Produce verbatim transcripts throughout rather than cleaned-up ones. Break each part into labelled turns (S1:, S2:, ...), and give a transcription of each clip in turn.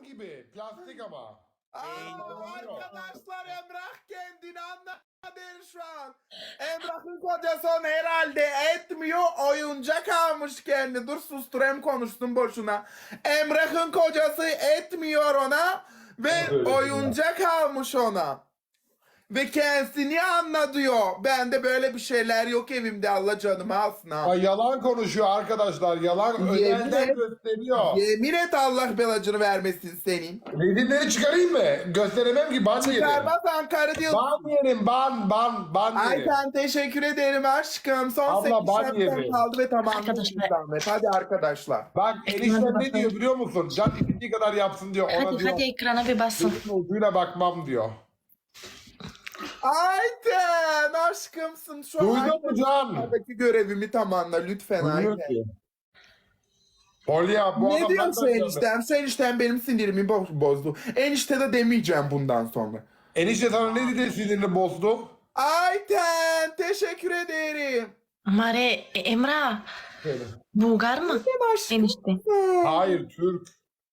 S1: gibi. Plastik ama.
S2: Aa, arkadaşlar Emrah kendini anladı şu an. Emrah'ın kocası onu herhalde etmiyor. Oyuncak almış kendi. Dur susturayım konuştum boşuna. Emrah'ın kocası etmiyor ona. Ve oyuncak almış ona. Ve kendisini anlatıyor. Bende böyle bir şeyler yok evimde, Allah canımı alsın ha.
S1: Ay, yalan konuşuyor arkadaşlar. Yalan
S2: Yemin
S1: özelden
S2: et.
S1: gösteriyor.
S2: Yemin et Allah belacını vermesin senin.
S1: Resimleri çıkarayım mı? Gösteremem ki ban yerim.
S2: Çıkarmazsan karı değil.
S1: Ban yerim ban ban ban
S2: Ay
S1: yerim.
S2: sen teşekkür ederim aşkım. Son
S1: Abla,
S2: sekiz
S1: ban
S2: şapkan
S1: yedi.
S2: kaldı ve tamam.
S3: Arkadaşlar.
S2: Zahmet. Hadi arkadaşlar.
S1: Bak
S3: Ekrana
S1: enişten ne
S3: bakın.
S1: diyor biliyor musun? Can istediği kadar yapsın diyor. Ona
S3: Hadi
S1: diyor.
S3: hadi ekrana bir basın.
S1: Gözün ucuyla bakmam diyor.
S2: Ayten aşkımsın. Şu
S1: Duydun mu Can?
S2: Ayten'deki görevimi tamamla lütfen
S1: Duyuyor
S2: Ayten.
S1: ki. Polya bu
S2: Ne
S1: adam
S2: diyorsun
S1: nereden
S2: eniştem? Sen enişten benim sinirimi bo- bozdu. Enişte de demeyeceğim bundan sonra.
S1: Enişte sana ne dedi sinirini bozdu?
S2: Ayten teşekkür ederim.
S3: Mare, e, Emrah. Bulgar mı?
S2: Aşkım.
S3: Enişte.
S1: Hayır Türk.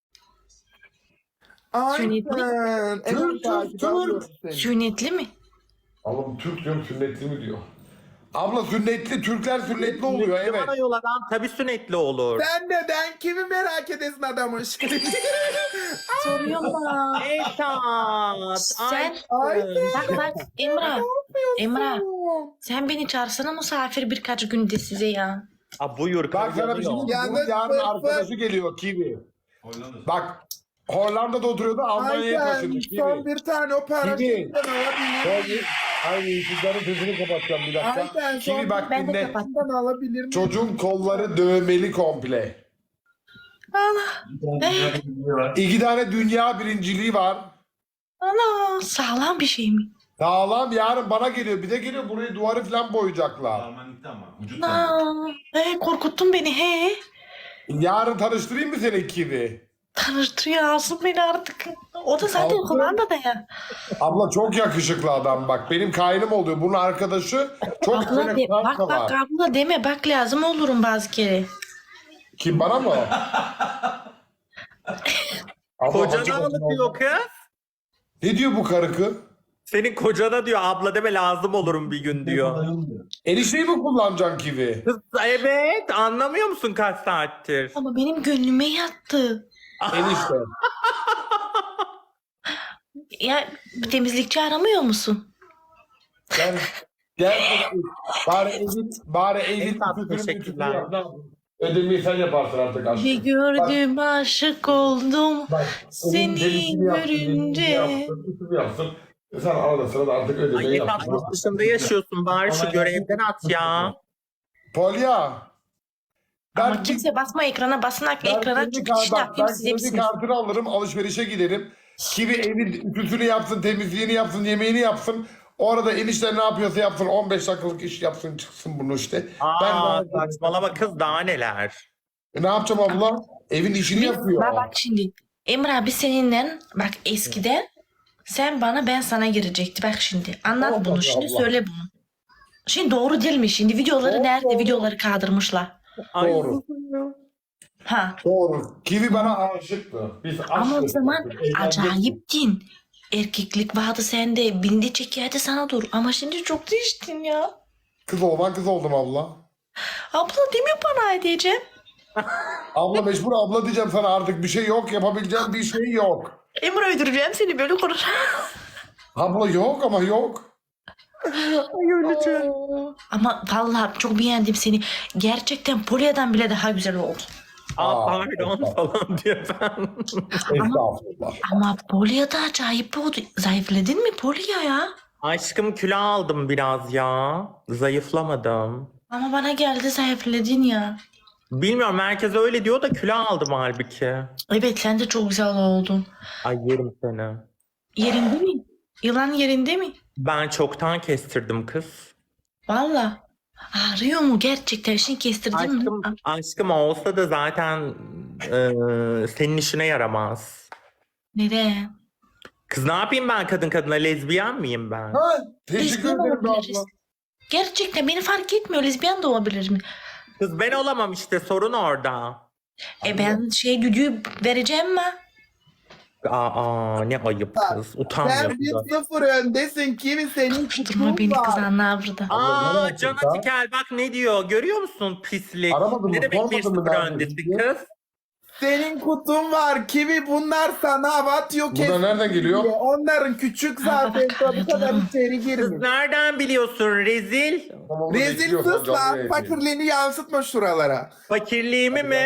S2: Ayten. Evet,
S1: Türk,
S2: takip
S1: Türk.
S2: ediyorum seni.
S3: Sünnetli mi?
S1: Oğlum Türk diyorum sünnetli mi diyor. Abla sünnetli, Türkler sünnetli oluyor evet.
S4: Bana yol adam tabii sünnetli olur.
S2: Sen neden kimi merak edesin adamın şimdi?
S3: Soruyorum da.
S4: Esat.
S3: Sen-
S2: Ayten.
S3: Bak bak Emrah. Emrah.
S2: yapıyorsun?
S3: Sen beni çağırsana misafir birkaç günde size ya.
S4: Aa, buyur.
S1: Bak sana bir şey diyeyim mi?
S2: Yalnız
S1: Bunun yarın
S2: fır fır.
S1: arkadaşı geliyor Kiwi. Bak Hollanda'da oturuyordu Almanya'ya
S2: Ayten
S1: taşındı
S2: son
S1: Kiwi.
S2: bir tane o para
S1: Kiwi.
S2: şimdiden alabilir miyim?
S1: Ay sizlerin sesini kapatacağım bir dakika.
S2: Ayten
S1: Kiwi
S2: son
S1: bak
S3: Ben de
S1: dinle.
S3: kapat.
S2: Şimdiden alabilir miyim?
S1: Çocuğun kolları dövmeli komple.
S3: Ana. Eh,
S1: İki tane dünya birinciliği var.
S3: ana. Sağlam bir şey mi?
S1: Sağlam yarın bana geliyor. Bir de geliyor burayı duvarı falan boyayacaklar.
S5: Almanlıkta ama. Vücut tanı.
S3: Ana. Eh, korkuttun beni he.
S1: Yarın tanıştırayım mı seni Kiwi?
S3: Tanıştırıyor alsın beni artık. O da zaten
S1: Alsın.
S3: Hollanda'da ya.
S1: Abla çok yakışıklı adam bak. Benim kaynım oluyor. Bunun arkadaşı çok
S3: Abla
S1: böyle
S3: de, bak
S1: kanka
S3: bak
S1: var.
S3: abla deme bak lazım olurum bazı kere.
S1: Kim bana mı? Abla,
S4: Kocana
S1: hacı
S4: mı
S1: kocana
S4: diyor
S1: oldu.
S4: kız?
S1: Ne diyor bu karı kız?
S4: Senin kocana diyor abla deme lazım olurum bir gün diyor.
S1: Enişteyi mi kullanacaksın Kiwi?
S4: Kız evet anlamıyor musun kaç saattir?
S3: Ama benim gönlüme yattı.
S1: Enişte.
S3: Ya bir temizlikçi aramıyor musun?
S1: Gel. Gel. Bari evin, bari evin
S4: Esat,
S1: sütünü
S4: teşekkürler.
S1: mütünü yap. Ne yapayım? Ödemeyi sen yaparsın artık aşkım.
S3: Bir gördüm aşık oldum.
S1: Bak,
S3: Seni
S1: onun temizliğini yapsın,
S3: görünce.
S1: temizliğini yapsın, ütümü yapsın. Sen arada sırada artık ödemeyi
S4: Ay Esat
S1: yapsın.
S4: yurt dışında yaşıyorsun bari şu görevden at ya.
S1: Polya.
S3: Ama
S1: Ben,
S3: kimse basma ekrana basınak
S1: ben
S3: ekrana
S1: kredi
S3: çünkü
S1: kar-
S3: işte
S1: bak,
S3: yapayım
S1: ben
S3: siz
S1: kredi
S3: hepsiniz.
S1: kartını alırım, alışverişe giderim. Kivi evin ütüsünü yapsın, temizliğini yapsın, yemeğini yapsın. O arada enişte ne yapıyorsa yapsın, on beş dakikalık iş yapsın, çıksın bunu işte.
S4: Aa
S1: ben
S4: saçmalama kız daha neler.
S1: E, ne yapacağım abla? Evin işini
S3: Biz-
S1: yapıyor.
S3: Bak, bak şimdi Emre abi seninle bak eskiden sen bana ben sana girecekti bak şimdi anlat
S1: Allah
S3: bunu şimdi
S1: Allah.
S3: söyle bunu. Şimdi doğru değil mi şimdi videoları
S1: Doğru,
S3: nerede
S1: doğru.
S3: videoları kaldırmışlar.
S4: Ay,
S1: Doğru.
S3: Ha
S1: Doğru. Kivi bana aşıktı. Biz
S3: ama o
S1: aşıktık.
S3: zaman
S1: Eğlendik.
S3: acayiptin. Erkeklik vardı sende bindi çekerdi sana dur ama şimdi çok değiştin ya.
S1: Kız olman kız oldum abla.
S3: Abla değil mi bana edeceğim?
S1: Abla mecbur abla diyeceğim sana artık bir şey yok. Yapabileceğim bir şey yok.
S3: Emre öldüreceğim seni böyle konuş.
S1: Abla yok ama yok.
S3: Ama vallahi çok beğendim seni. Gerçekten Polya'dan bile daha güzel oldu.
S4: Aa,
S1: Aa,
S4: pardon falan diyor ben.
S1: Estağfurullah.
S3: Ama Polya da acayip oldu. Zayıfladın mı Polya ya?
S4: Aşkım kilo aldım biraz ya. Zayıflamadım.
S3: Ama bana geldi zayıfladın ya.
S4: Bilmiyorum herkes öyle diyor da kilo aldım halbuki.
S3: Evet sen de çok güzel oldun.
S4: Ay yerim seni.
S3: Yerinde mi? Yılan yerinde mi?
S4: Ben çoktan kestirdim kız.
S3: Valla. Ağrıyor mu gerçekten? Şimdi kestirdin mi?
S4: Aşkım, aşkım olsa da zaten e, senin işine yaramaz.
S3: Neden?
S4: Kız ne yapayım ben kadın kadına lezbiyen miyim ben?
S1: Ha, teşekkür
S3: Lezbiyen
S1: ederim be
S3: olabiliriz.
S1: abla.
S3: Gerçekten beni fark etmiyor. Lezbiyen de olabilir mi?
S4: Kız ben olamam işte sorun orada.
S3: E ben şey düdüğü vereceğim mi?
S4: Aa ne ayıp kız. Utanmıyor.
S2: Sen bir sıfır öndesin. Kimi senin
S3: Tutma
S2: kutun
S3: beni
S2: var.
S3: kız anne burada.
S1: Abla, nereye
S4: Aa Can
S1: çıktı?
S4: Atikel bak ne diyor. Görüyor musun pislik?
S1: Aramadın mı?
S4: Ne demek bir
S1: Sormadın mı
S4: sıfır
S1: nerede
S4: öndesin
S1: diye?
S4: kız?
S2: Senin kutun var. Kimi bunlar sana hava atıyor.
S1: Bu da nereden geliyor?
S2: Onların küçük
S3: Aa,
S2: zaten
S3: bak,
S2: tabii kadar
S3: anladım.
S2: içeri
S4: Kız
S2: girmiyor.
S4: nereden biliyorsun rezil?
S1: Tamam,
S2: Rezil
S1: bekliyor,
S2: sus
S1: canlı
S2: lan.
S1: yayın.
S2: Fakirliğini yansıtma şuralara.
S4: Fakirliğimi mi?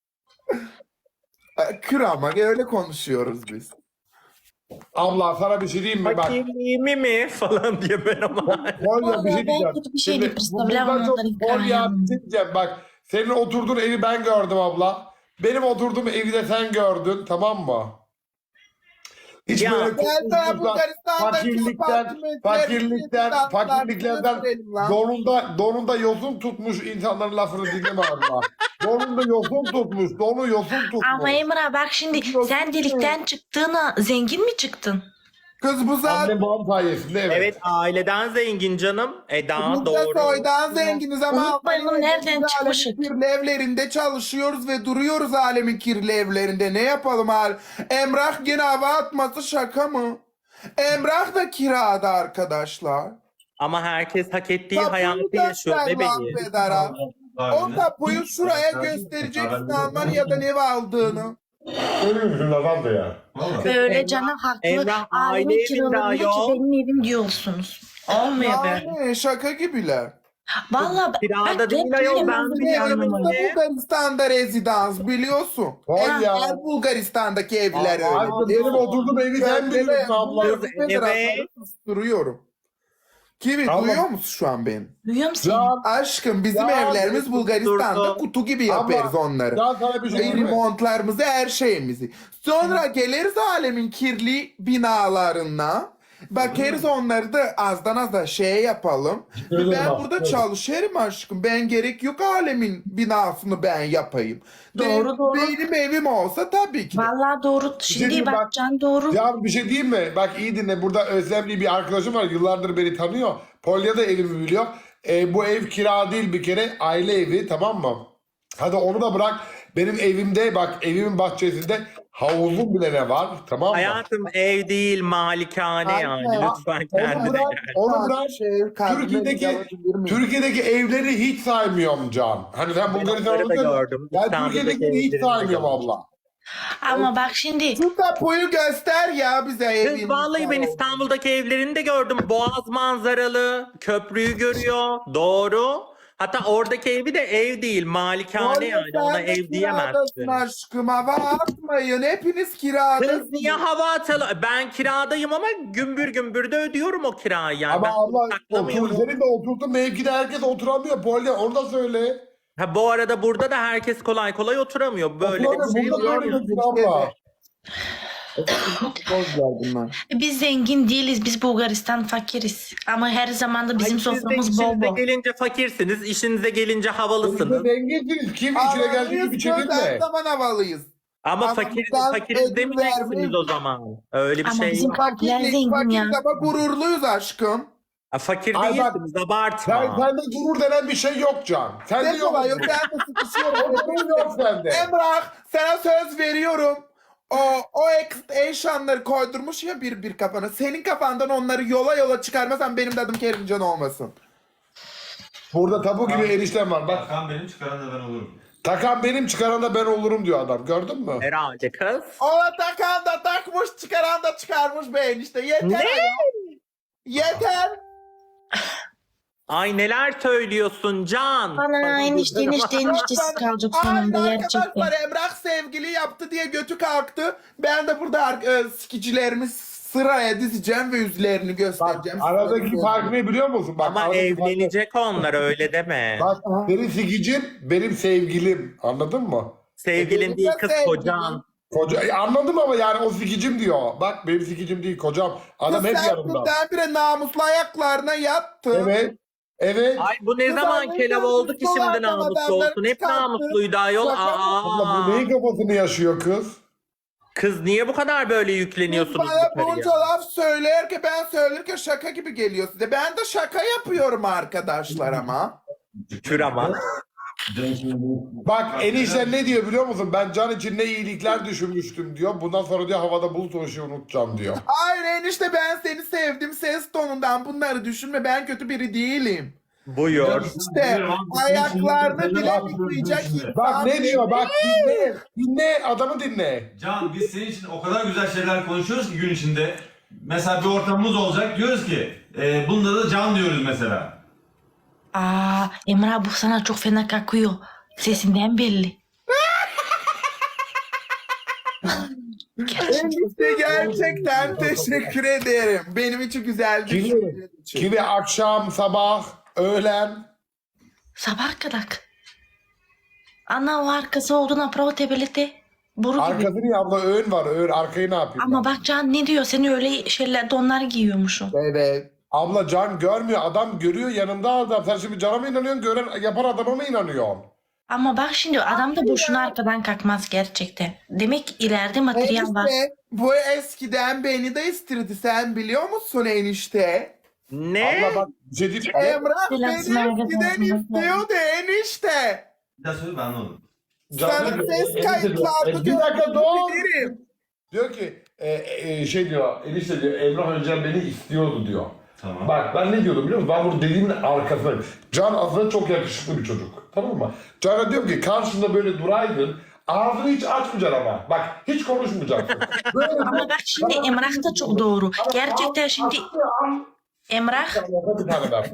S2: Kır ama öyle konuşuyoruz biz.
S1: Abla sana bir şey diyeyim mi? Bak.
S4: Fakirliğimi mi? Falan diye ben ama.
S1: Kolya bir şey
S3: Ben
S1: diyeceğim.
S3: kötü bir şey
S1: Şimdi
S3: değil,
S1: bu
S3: представляла
S1: bundan çok
S3: onların
S1: Kolya
S3: hikayelerini.
S1: bir şey diyeceğim. Bak senin oturduğun evi ben gördüm abla. Benim oturduğum evi de sen gördün, tamam mı? Hiç
S4: Ya,
S1: böyle
S2: Gel ben
S1: korkusuzdan,
S2: Bulgaristan'daki
S1: fakirlikten,
S2: apartmanları
S1: fakirlikten,
S2: statlar
S1: fakirliklerden
S2: gösterelim lan.
S1: donunda, donunda yosun tutmuş insanların lafını dinleme abla. Donunda yosun tutmuş, donu yosun tutmuş.
S3: Ama Emrah bak şimdi sen delikten çıktığına zengin mi çıktın?
S2: Kız bu zaten
S1: Annem babam sayesinde evet.
S4: Evet aileden zengin canım. Eda
S2: biz de
S4: doğru.
S2: soydan zenginiz ama
S3: Unutmayalım
S2: Almanya'da
S3: nereden
S2: biz
S3: çıkmışık.
S2: alemin kirli evlerinde çalışıyoruz ve duruyoruz alemin kirli evlerinde. Ne yapalım hal? Emrah gene hava atması şaka mı? Emrah da kirada arkadaşlar.
S4: Ama herkes hak ettiği
S2: Tapuyu
S4: hayatı yaşıyor
S2: göster lan
S4: bebeği.
S2: Bedara. O tapuyu şuraya göstereceksin Almanya'da ev aldığını.
S1: Ölüyorsun adam da ya.
S3: Böyle canım haklı.
S4: Emrah, aile
S3: Ailemin
S4: evinde
S3: kiralarında ki
S4: ayol.
S3: benim evim diyorsunuz. Olmuyor böyle.
S2: Yani şaka gibiler.
S3: Valla
S4: Kirada
S3: bak,
S4: değil
S3: hep
S4: ayol,
S3: benim
S4: ben
S3: evimde
S4: biliyorum.
S3: yanım var.
S2: Evimizde Bulgaristan'da rezidans biliyorsun.
S1: Vay ya.
S2: Her Bulgaristan'daki evler
S1: Ay,
S2: öyle.
S1: benim oturduğum evi sen biliyorsun abla.
S4: Kız, evet.
S2: Duruyorum. Kimi
S1: Abla-
S2: duyuyor musun şu an beni?
S3: Duyuyor musun?
S1: Ya,
S2: Aşkım bizim
S1: Ya,
S2: evlerimiz Bulgaristan'da
S4: durdu.
S2: kutu gibi
S1: Abla,
S2: yaparız onları.
S1: ya sana bir şey diyeyim mi?
S2: Remontlarımızı, her şeyimizi. Sonra geliriz alemin kirli binalarına. Bakarız onları da azdan az da şey yapalım.
S1: Öyle
S2: Ben
S1: bak,
S2: burada
S1: evet.
S2: çalışırım aşkım. Ben gerek yok alemin binasını ben yapayım.
S3: Doğru,
S2: Benim-
S3: doğru.
S2: Benim evim olsa tabii ki de.
S3: Valla doğru. Şimdi
S1: diyeyim,
S3: bak,
S1: bak-
S3: Can doğru.
S1: Ya bir şey diyeyim mi? Bak iyi dinle. Burada Özlemli bir arkadaşım var. Yıllardır beni tanıyor. Polya da evimi biliyor. E, bu ev kira değil bir kere. Aile evi, tamam mı? Hadi onu da bırak. Benim evimde bak, evimin bahçesinde havuzum bile ne var, tamam mı?
S4: Hayatım ev değil malikane
S2: Aynen.
S4: yani. Lütfen
S1: Onu
S4: kendine
S1: bırak,
S4: gel.
S1: onu bırak.
S2: Şey, kalbime
S1: Türkiye'deki
S2: yapabilir miyim?
S1: Türkiye'deki evleri hiç saymıyorum Can. Hani sen Bulgaristan'da
S4: onları da
S1: oturuyorsun.
S4: gördüm.
S1: Ben
S4: İstanbul'daki
S1: Türkiye'deki hiç
S4: evlerini de
S1: saymıyorum
S4: gördüm.
S1: abla.
S3: Ama bak şimdi
S2: Şu tapuyu göster ya bize evin.
S4: Kız vallahi ben İstanbul'daki evlerini de gördüm. Boğaz manzaralı. Köprüyü görüyor. Doğru. Hatta oradaki evi de ev değil. Malikane yani. Ona ev diyemezsin.
S2: Aşkım hava atmayın. Hepiniz kiradasınız.
S4: Kız niye hava atalım? Ben kiradayım ama gümbür gümbür de ödüyorum o kirayı. Yani
S1: Ama
S4: ben bunu
S1: abla
S4: saklamıyorum.
S1: otur, senin de oturduğun mevkide herkes oturamıyor. Polya onu da söyle.
S4: Ha, bu arada burada da herkes kolay kolay oturamıyor. Böyle
S1: Oturamıyor,
S4: bir şey
S1: burada
S4: var.
S1: böyle
S4: ya.
S1: diyorsun abla.
S2: Boz bunlar.
S3: biz zengin değiliz. Biz Bulgaristan fakiriz. Ama her zaman da bizim
S4: Ay, siz de
S3: soframız bol
S4: işinize
S3: bol.
S4: gelince fakirsiniz, işinize gelince havalısınız.
S1: Biz zenginsiniz. Kim içine geldiği gibi
S2: Her
S1: çevirme.
S2: zaman havalıyız.
S4: Ama
S2: Ama
S4: fakir,
S2: buradan
S4: fakiriz
S2: ödül
S4: demeyeceksiniz
S2: vermeyin.
S4: o zaman. Öyle bir
S3: Ama
S4: şey
S3: bizim
S4: yok.
S3: fakirler
S2: Fakirlik,
S3: zengin
S2: fakir
S3: ya.
S2: ama gururluyuz aşkım.
S4: Ha, fakir
S1: Ay bak,
S4: değilsiniz, abartma.
S1: Sen, sende gurur denen bir şey yok Can. Sende
S2: Ne
S1: yok.
S2: kolay yok. Ben de sıkışıyorum.
S1: Gurur yok sende.
S2: Emrah sana söz veriyorum. O, o eşyanları koydurmuş ya bir bir kafana. Senin kafandan onları yola yola çıkarmasan benim de adım Kerimcan olmasın.
S1: Burada tabu gibi eniştem var. Bak
S5: Takan benim, çıkaran da ben olurum.
S1: takan benim, çıkaran da ben olurum diyor adam. Gördün mü?
S4: Herhalde kız.
S2: Ona takan da takmış, çıkaran da çıkarmış be enişte. Yeter.
S4: Ne?
S2: ya. Yeter.
S4: Ay neler söylüyorsun Can.
S3: Bana enişte enişte eniştesiz kalacak sonunda
S2: Ay
S3: gerçekten.
S2: arkadaşlar Emrah sevgili yaptı diye götü kalktı. Ben de burada e, sikicilerimi sıraya dizeceğim ve yüzlerini
S1: Bak
S2: göstereceğim.
S1: aradaki fark ne biliyor musun? Bak,
S4: Ama
S1: aradaki fark ne?
S4: evlenecek onlar öyle deme.
S1: Bak senin sikicin benim sevgilim. Anladın mı?
S4: Sevgilin değil kız,
S2: Sevgilin.
S4: kocan.
S1: Koca, e, anladım ama yani o sikicim diyor. Bak benim sikicim değil kocam. Adam hep
S2: sen
S1: yanımda.
S2: birdenbire namuslu ayaklarına yattı.
S1: Evet. Evet.
S4: Ay bu ne
S2: Kız
S4: zaman
S2: annem
S4: kelav oldu ki
S2: namuslu
S4: şimdi
S2: olan
S4: namuslu
S2: adamları
S4: olsun. Hep
S2: çıkarttı.
S4: namusluydu ayol.
S2: Şaka mı?
S1: Abla
S4: Aa.
S1: bu neyin kafasını yaşıyor kız?
S4: Kız niye bu kadar böyle yükleniyorsunuz
S2: Bana
S4: yukarıya?
S2: bunca laf söyler ki ben söylerken şaka gibi geliyor size. Ben de şaka yapıyorum arkadaşlar ama.
S4: Kür ama.
S5: Can şimdi bu-
S1: Bak enişte ne diyor biliyor musun? Ben Can için ne iyilikler düşünmüştüm diyor. Bundan sonra diyor havada bulut oluşuyor unutacağım diyor.
S2: Hayır enişte ben seni sevdim ses tonundan bunları düşünme ben kötü biri değilim.
S4: Buyur.
S2: İşte ayaklarını bile yıkayacak
S1: Bak
S2: insan
S1: ne diyor bak
S2: değilim.
S1: dinle. Dinle adamı dinle.
S5: Can biz senin için o kadar güzel şeyler konuşuyoruz ki gün içinde. Mesela bir ortamımız olacak diyoruz ki e, bunda da Can diyoruz mesela.
S3: Aa, Emrah bu sana çok fena kakıyor. Sesinden belli. Gerçekten.
S2: Enişte gerçekten teşekkür ederim. Benim için güzel
S1: Kimi,
S2: düşündüğün için.
S1: kimi akşam, sabah, öğlen.
S3: Sabah kadar. Ana o arkası olduğuna pravo tebelete. Boru gibi.
S1: Arkası niye abla öğün var öğün arkayı ne yapayım?
S3: Ama
S1: ben?
S3: bak Can ne diyor? Seni öyle şeyler donlar giyiyormuşum.
S2: Evet.
S1: Abla Can görmüyor adam görüyor yanımda adam. Sen şimdi Can'a mı inanıyorsun gören yapan adama mı inanıyorsun?
S3: Ama bak şimdi adam da boşuna arkadan kalkmaz gerçekten. Demek ileride materyal var.
S2: Enişte bu eskiden beni de istirdi sen biliyor musun enişte?
S4: Ne?
S1: Abla bak bir şey diyeyim.
S2: Emrah beni
S3: Selamsın
S2: eskiden
S3: arkadaşlar.
S2: istiyordu enişte.
S5: Bir daha söyle ben anladım.
S1: Can
S2: Sana
S1: diyor,
S2: ses
S1: enişte
S2: kayıtlarda
S1: diyor, e, bir dakika dur.
S2: gönderirim.
S1: Diyor ki e, e, şey diyor enişte diyor Emrah Özcan beni istiyordu diyor.
S5: Tamam.
S1: Bak ben ne diyordum biliyor musun? Ben bu dediğimin arkasındayım. Can aslında çok yakışıklı bir çocuk. Tamam mı? Can'a diyorum ki karşında böyle duraydın. Ağzını hiç açmayacaksın ama. Bak hiç konuşmayacaksın. Böyle
S3: Ama bak şimdi Emrah da çok doğru. Gerçekten şimdi Emrah
S1: bir tane ben.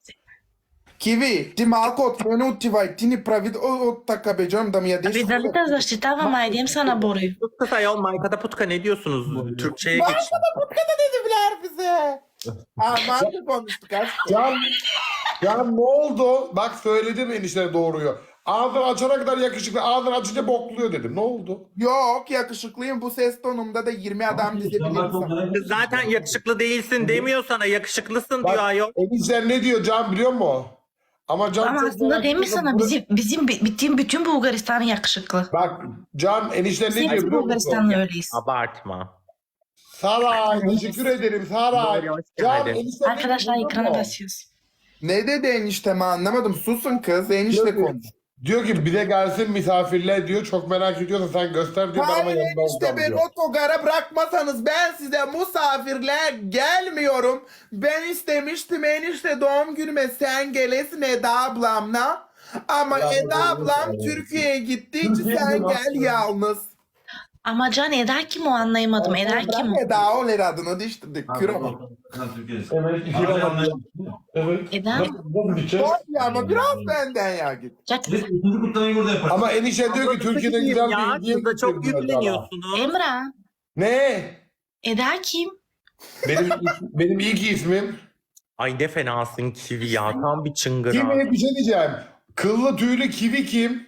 S2: Kiwi, ti malko otmenuti vai, ti ni pravi od taka beđam da mi je dešlo.
S3: bir de zaštitavam ajdem sana boruyu.
S4: Sus kız ayol Mayka'da putka ne diyorsunuz? Türkçe'ye geç.
S2: Putkada dediler bize. Aman konuştuk aşkım.
S1: Can, Can ne oldu? Bak söyledim enişte doğruyu. Ağzını açana kadar yakışıklı. Ağzını açınca bokluyor dedim. Ne oldu?
S2: Yok yakışıklıyım bu ses tonumda da yirmi adam dizebilirim sana.
S4: Kız zaten yakışıklı değilsin demiyor sana. Yakışıklısın diyor ayol.
S1: Enişte ne diyor Can biliyor musun? Ama Can
S3: Ama
S1: çok
S3: aslında
S1: merak
S3: değil mi
S1: ediyor.
S3: sana bizim bizim bittiğim bütün Bulgaristan yakışıklı.
S1: Bak Can enişte ne
S3: Biz
S1: diyor
S3: hepsi
S1: biliyor musun?
S3: Bulgaristan'la öyleyiz.
S4: Abartma.
S1: Saray teşekkür ederim Saray.
S4: Doğru, hoş
S1: Can
S4: geldin.
S1: enişte ne
S3: Arkadaşlar
S1: diyor biliyor
S3: ekrana
S1: musun?
S3: basıyoruz.
S2: Ne dedi enişteme anlamadım. Susun kız enişte
S1: Diyor ki-
S2: konuş.
S1: Diyor ki bize gelsin misafirler diyor. Çok merak ediyorsan sen göster diyor. Ben ama
S2: Hayır
S1: yanında
S2: enişte
S1: olacağım
S2: beni
S1: diyor.
S2: otogara bırakmasanız ben size misafirler gelmiyorum. Ben istemiştim enişte doğum günüme sen gelesin Eda ablamla. Ama
S1: Ya,
S2: Eda
S1: evet,
S2: ablam
S1: evet.
S2: Türkiye'ye gittiği için
S1: Türkiye'ye
S2: sen
S1: gidiyor
S2: gel
S1: aslında.
S2: yalnız.
S3: Ama Can Eda kim o anlayamadım. Eda kim o?
S2: Bırak Eda ol adını değiştirdik. Kürama.
S1: Evet. iki
S5: Abi,
S1: tane- Evet.
S3: Eda?
S1: Nasıl, nasıl bir şey?
S2: Koy ya ama biraz benden ya git.
S3: Jack-
S5: Biz ikinci kutlamayı burada yaparız.
S1: Ama enişte diyor ki Türkiye'de güzel bir
S4: Ya
S1: hediye
S4: kız da çok
S1: getirdiler sana.
S4: yükleniyorsunuz.
S3: Emrah.
S1: Ne?
S3: Eda kim?
S1: Benim benim ilk ismim.
S4: Ay ne fenasın Kiwi ya. Tam bir çıngıra.
S1: Kim bir şey diyeceğim. Kıllı tüylü kivi kim?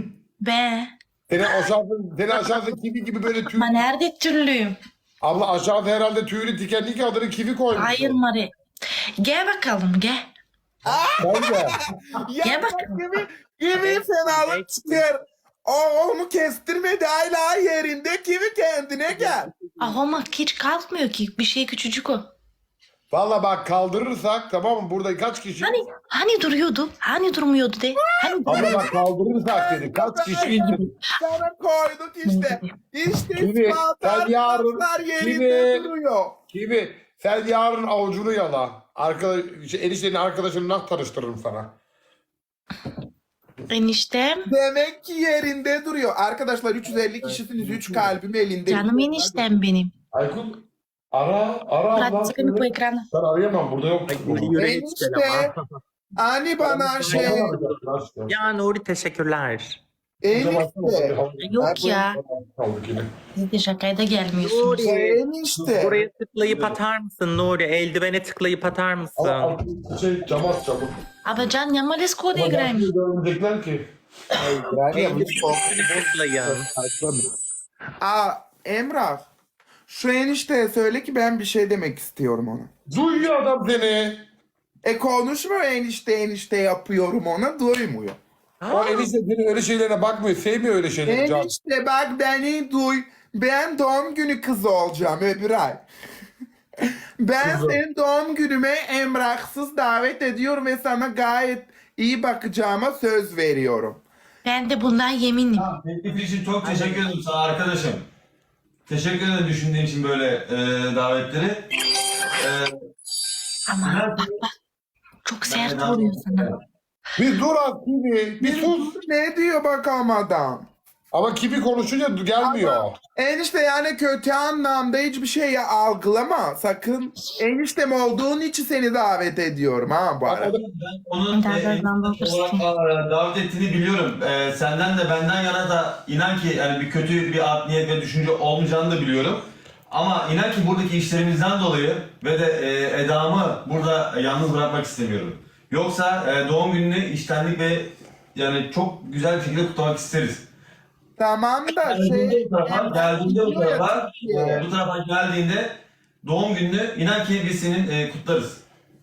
S3: Be.
S1: Seni aşağıda, seni aşağıda kivi gibi böyle tüy.
S3: Ama nerede türlüyüm?
S1: Abla aşağıda herhalde tüylü dikenli ki adını kivi koymuş.
S3: Hayır Mari. Gel bakalım gel.
S1: Bence.
S2: Ya
S3: Gel
S2: bak
S3: bakalım.
S2: gibi gibi fenalık çıkıyor. O onu kestirmedi hala yerinde kivi kendine gel.
S3: Ah ama hiç kalkmıyor ki. Bir şey küçücük o.
S1: Valla bak kaldırırsak tamam mı? Burada kaç kişi?
S3: Hani hani duruyordu? Hani durmuyordu de? Hani
S1: Abla bak kaldırırsak dedi. Kaç kişi?
S2: Sana koyduk işte. İşte
S1: Kivi,
S2: ispatlar
S1: sen yarın-
S2: ispatlar yerinde
S1: Kivi.
S2: duruyor.
S1: Kivi sen yarın avucunu yala. Arkadaş, şey, eniştenin arkadaşını nasıl tanıştırırım sana?
S3: eniştem.
S2: Demek ki yerinde duruyor. Arkadaşlar üç yüz elli kişisiniz. üç kalbim elinde.
S3: Canım eniştem benim.
S1: Aykut ara ara abla.
S3: Bırak sıkını bu ekrana.
S1: Ben arayamam burada yok.
S4: Yüreği çıkar
S2: Enişte.
S4: ama.
S2: Hani bana şey.
S4: Ya Nuri teşekkürler.
S2: Enişte.
S3: Yok ya.
S1: Kaldık yine.
S3: Siz de şakaya da gelmiyorsunuz.
S4: Nuri.
S2: Enişte.
S4: Buraya tıklayıp atar mısın Nuri? Eldivene tıklayıp atar mısın?
S1: Ama şey cam at çabuk.
S3: Ama Can yamalis kod
S1: Ama
S3: igrajmo.
S1: nasıl görmeyecekler ki?
S4: Eldivene tıklayın.
S2: Aa Emrah. Şu enişteye söyle ki ben bir şey demek istiyorum ona.
S1: Duyuyor adam seni.
S2: E konuşma enişte enişte yapıyorum ona duymuyor.
S1: O enişte senin öyle şeylerine bakmıyor. Sevmiyor öyle şeyleri Can.
S2: Enişte bak beni duy. Ben doğum günü kızı olacağım öbür ay. Ben
S1: Kızım.
S2: senin doğum günüme Emrahsız davet ediyorum ve sana gayet iyi bakacağıma söz veriyorum.
S3: Ben de bundan yeminim.
S5: Teklif için çok teşekkür ederim sana arkadaşım. Teşekkür ederim düşündüğün için böyle e, davetleri. E,
S3: Ama bak bak. Çok sert vuruyor sana.
S1: Bir dur az Kibi. Bir sus.
S2: Ne diyor bakalım adam?
S1: Ama Kibi konuşunca gelmiyor.
S2: Enişte yani kötü anlamda hiçbir şey ya algılama sakın. Eniştem olduğun için seni davet ediyorum ha bu arada.
S5: Ben onun
S3: Daha
S5: e,
S3: da
S5: enişte
S3: anlatırsın.
S5: olarak e, davet ettiğini biliyorum. E, senden de benden yana da inan ki yani bir kötü bir art niyet ve düşünce olmayacağını da biliyorum. Ama inan ki buradaki işlerimizden dolayı ve de e, Eda'mı burada yalnız bırakmak istemiyorum. Yoksa e, doğum gününü içtenlik ve yani çok güzel bir şekilde kutlamak isteriz.
S2: Tamam da
S5: Geldiğinde
S2: şey...
S5: bu tarafa, geldiğinde bu
S2: diyor ya,
S5: tarafa,
S2: Türkiye.
S5: e, bu tarafa geldiğinde doğum gününü inan ki biz senin e, kutlarız.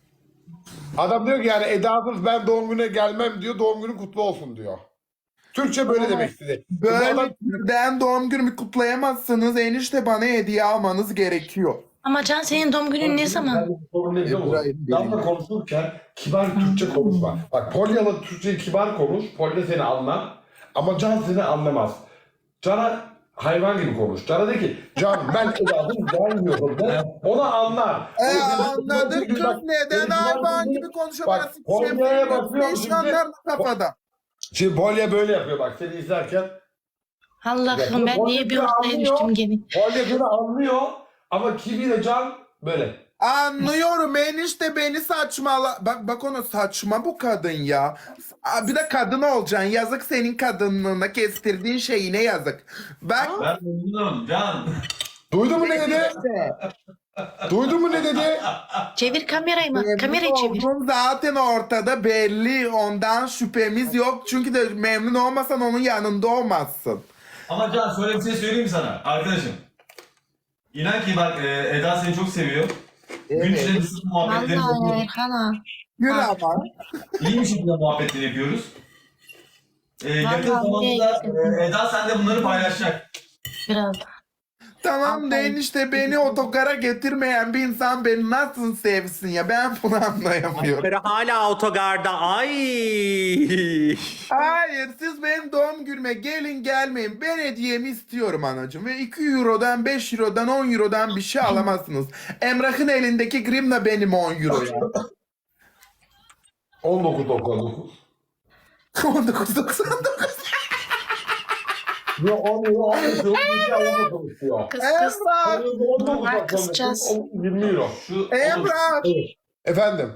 S1: Adam diyor ki yani Eda'sız ben doğum gününe gelmem diyor. Doğum günün kutlu olsun diyor. Türkçe böyle demek istedi. Bu
S2: Böyle
S1: adam-
S2: türden doğum günümü kutlayamazsınız. Enişte bana hediye almanız gerekiyor.
S3: Ama Can senin doğum günün ne zaman?
S1: Sorun ne biliyor musun?
S2: İbrahim
S1: Damla
S2: benim.
S1: konuşurken kibar Türkçe konuşma. Bak Polyalı Türkçeyi kibar konuş. Polya seni anlar. Ama Can seni anlamaz. Can'a hayvan gibi konuş. Can'a de ki Can ben Eda'sız gelmiyorum de. Ona anlar.
S2: E
S1: O yüzden-
S2: anladık kız
S1: Bak,
S2: neden
S1: benim
S2: hayvan
S1: kibar-
S2: gibi konuşuyor
S1: Bak,
S2: bana sikişe
S1: Polya'a bakıyorum
S2: beş
S1: çünkü-
S2: yanlar kafada.
S1: Şimdi Polya böyle yapıyor bak seni izlerken.
S3: Allah'ım ben niye bir ortaya düştüm gene?
S1: Polya seni anlıyor. Ama Kibi ile Can böyle.
S2: Anlıyorum enişte beni saçmala. Bak bak ona saçma bu kadın ya. Aa, bir de kadın olacaksın. Yazık senin kadınlığına kestirdiğin şeyine yazık. Bak
S5: Ben memnunum Can.
S1: Duydun mu ne dedi?
S2: işte.
S1: Duydun mu ne dedi?
S3: Çevir kamerayı mı?
S2: Memnun
S3: Kamerayı çevir.
S2: olduğun zaten ortada belli. Ondan şüphemiz yok. Çünkü de memnun olmasan onun yanında olmazsın.
S5: Ama Can şöyle bir şey söyleyeyim mi sana arkadaşım? İnan ki bak e, Eda seni çok seviyor. Gün
S2: Evet.
S5: içinde biz muhabbetleri
S3: Vallahi
S5: yapıyoruz.
S3: Erhan ha.
S2: Yürü
S3: Ha.
S2: ama.
S5: İyi bir şekilde muhabbetleri yapıyoruz. E, yakın
S3: Vallahi
S5: zamanda
S3: iyi.
S5: e, Eda sen de bunları paylaşacak.
S3: Biraz.
S2: Tamam da
S3: Aferin.
S2: enişte beni otogara getirmeyen bir insan beni nasıl sevsin ya? Ben bunu anlayamıyorum.
S4: Biri hala otogarda. Ay.
S2: Hayır siz benim doğum günüme gelin gelmeyin. Ben hediyemi istiyorum anacığım. Ve iki eurodan beş eurodan on eurodan bir şey alamazsınız. Emrah'ın elindeki grimle benim on euro ya.
S1: on dokuz doksan dokuz.
S2: on dokuz doksan dokuz.
S1: Yo on euro on euro on konuşuyor.
S3: Kız kız.
S2: Emrah!
S3: Var kısacağız.
S1: yirmi euro.
S5: Şu
S2: Emrah!
S1: Efendim.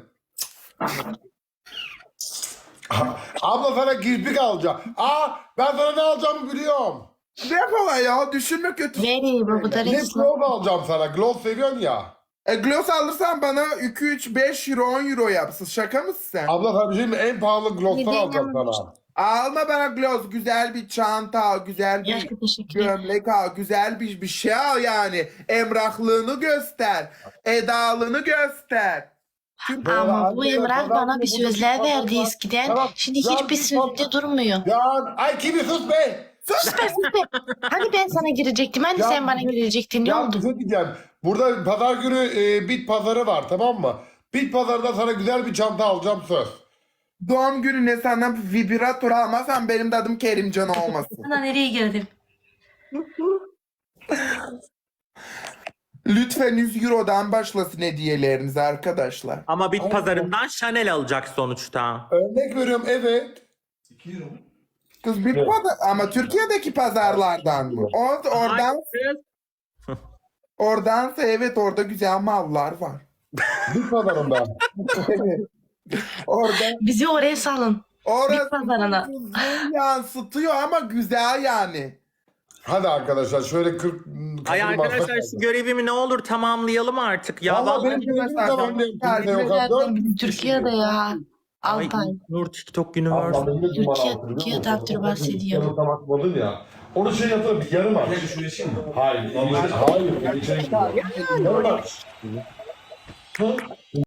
S1: Abla sana kirpik alacağım. Aa ben sana ne alacağımı biliyorum.
S2: Defola ya düşünme kötü.
S3: Veri bu da
S1: Ne
S3: resmen.
S1: gloss alacağım sana. Gloss seviyorsun ya.
S2: E, gloss alırsan bana iki üç beş euro on euro yapsın. Şaka mısın sen?
S1: Abla sana bir şey mi? En pahalı gloss'tan
S3: Neden
S1: alacağım
S3: yanlış?
S1: sana.
S2: Alma bana gloss. Güzel bir çanta al. Güzel bir
S3: Yaşlı teşekkür ederim.
S2: gömlek al. Güzel bir, bir şey al yani. Emrahlığını göster. Edalığını göster. Çünkü
S3: Ama bu Emrah bana bir sözler verdi eskiden. Şimdi hiçbir sözde durmuyor.
S1: Ya ay kimi sus be.
S3: Sus be sus be. Hani ben sana girecektim? Hani
S1: Ya
S3: sen bana
S1: bir-
S3: girecektin? Ne
S1: Ya
S3: oldu?
S1: bir şey diyeceğim. Burada pazar günü e, bit pazarı var tamam mı? Bit pazarında sana güzel bir çanta alacağım söz.
S2: doğum gününe senden vibratör almazsan benim de adım Kerimcan olmasın.
S3: Sana nereye girdim?
S2: Lütfen yüz eurodan başlasın hediyeleriniz arkadaşlar.
S4: Ama bit pazarından Chanel alacak sonuçta.
S1: Örnek veriyorum evet.
S5: iki euro mu?
S2: Kız bir pazar ama Türkiye'deki pazarlardan mı? O, oradan oradansa evet orada güzel mallar var.
S1: Bit pazarında.
S2: Evet. Orada
S3: Bizi oraya salın.
S2: orası
S3: Bir pazarına.
S2: uzun yansıtıyor ama güzel yani.
S1: Hadi arkadaşlar şöyle kırk
S4: Ay
S1: katıl
S4: arkadaşlar
S1: masaj
S4: şu görevimi ne olur tamamlayalım artık. Ya
S1: Vallahi
S4: vallahi.
S1: benim görevim
S2: Vallahi
S1: tamamlayayım.
S2: ben-
S1: Kimse yok ha. Dört kişi
S3: Türkiye'de
S1: yaşıyor.
S3: ya.
S4: Ay
S3: Altay.
S4: Nur TikTok günü var.
S1: Abla, benim de
S3: Türkiye-
S1: numara altı,
S3: Türkiye
S1: biliyor musun?
S3: takdir bahsediyor.
S1: Yanına bakmadın ya. Onu şey yapalım bir yarım aç.
S5: Bir dakika şuraya şey mi?
S1: Hayır. içeri- Hayır. içeri gidiyor. Yarım aç. Hı?